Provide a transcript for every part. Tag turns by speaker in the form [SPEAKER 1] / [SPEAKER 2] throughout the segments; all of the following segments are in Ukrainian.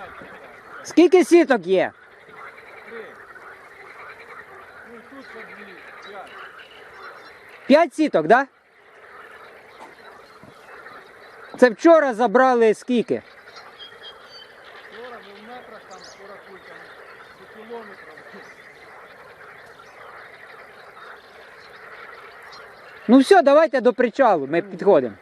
[SPEAKER 1] Скільки сіток є?
[SPEAKER 2] 3. Ну і тут по 2, 5.
[SPEAKER 1] 5 сіток, так? Да? Це вчора забрали скільки?
[SPEAKER 2] Вчора ми в метрах там порахуй там до кілометра.
[SPEAKER 1] Ну все, давайте до причалу, ми підходимо.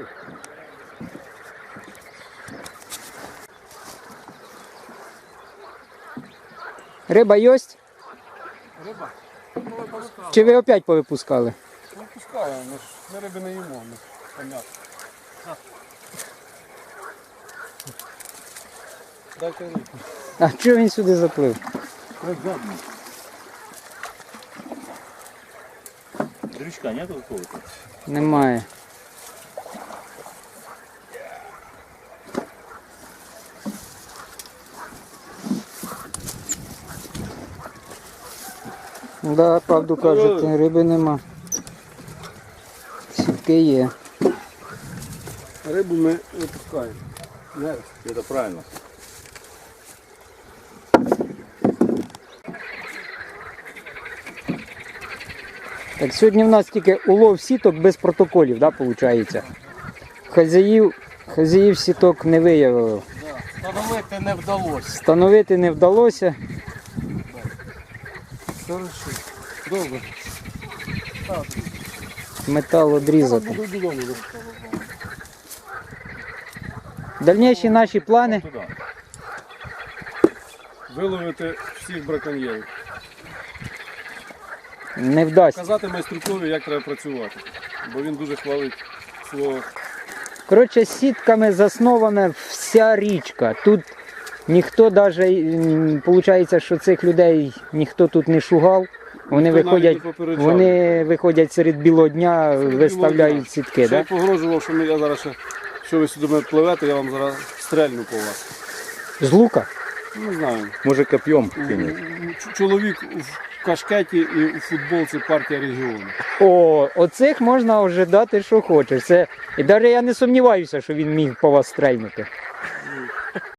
[SPEAKER 1] Риба є?
[SPEAKER 2] Риба? Ну, випускали.
[SPEAKER 1] Чи ви опять повипускали?
[SPEAKER 2] Випускаю, ми риби не їмо, ми понятно. Дайте рибу.
[SPEAKER 1] А чого він сюди заплив?
[SPEAKER 3] Дрючка нету какого-то?
[SPEAKER 1] Немає. Да, правду кажете, риби нема. Сітки є.
[SPEAKER 2] Рибу ми випускаємо.
[SPEAKER 3] Это правильно.
[SPEAKER 1] Так, сьогодні в нас тільки улов сіток без протоколів, да, виходить? Хазяїв сіток не виявили.
[SPEAKER 2] Да. Встановити не вдалося.
[SPEAKER 1] Встановити не вдалося.
[SPEAKER 2] Хорошо. Добре.
[SPEAKER 1] Метал одрізати.
[SPEAKER 2] Буду додому.
[SPEAKER 1] Дальніші наші плани.
[SPEAKER 3] Туда.
[SPEAKER 2] Виловити всіх браконьєрів.
[SPEAKER 1] Не вдасться.
[SPEAKER 2] Казати майструкові, як треба працювати. Бо він дуже хвалить свого.
[SPEAKER 1] Коротше, сітками заснована вся річка. Тут ніхто навіть, виходить, що цих людей ніхто тут не шугав. Вони
[SPEAKER 2] Ніхто навіть
[SPEAKER 1] виходять,
[SPEAKER 2] не попереджав.
[SPEAKER 1] вони виходять серед білого дня,
[SPEAKER 2] Серед
[SPEAKER 1] виставляють
[SPEAKER 2] білого дня.
[SPEAKER 1] сітки.
[SPEAKER 2] Ще
[SPEAKER 1] Да?
[SPEAKER 2] я погрожував, що я зараз ще, що ви сюди мене пливете, я вам зараз стрельну по вас.
[SPEAKER 1] З лука.
[SPEAKER 2] Не знаю.
[SPEAKER 3] Може копьем кинуть.
[SPEAKER 2] Чоловік в кашкеті і у футболці партія регіону.
[SPEAKER 1] О, оцих можна ожидати, що хочеш. Це... І навіть я не сумніваюся, що він міг по вас стрельнути.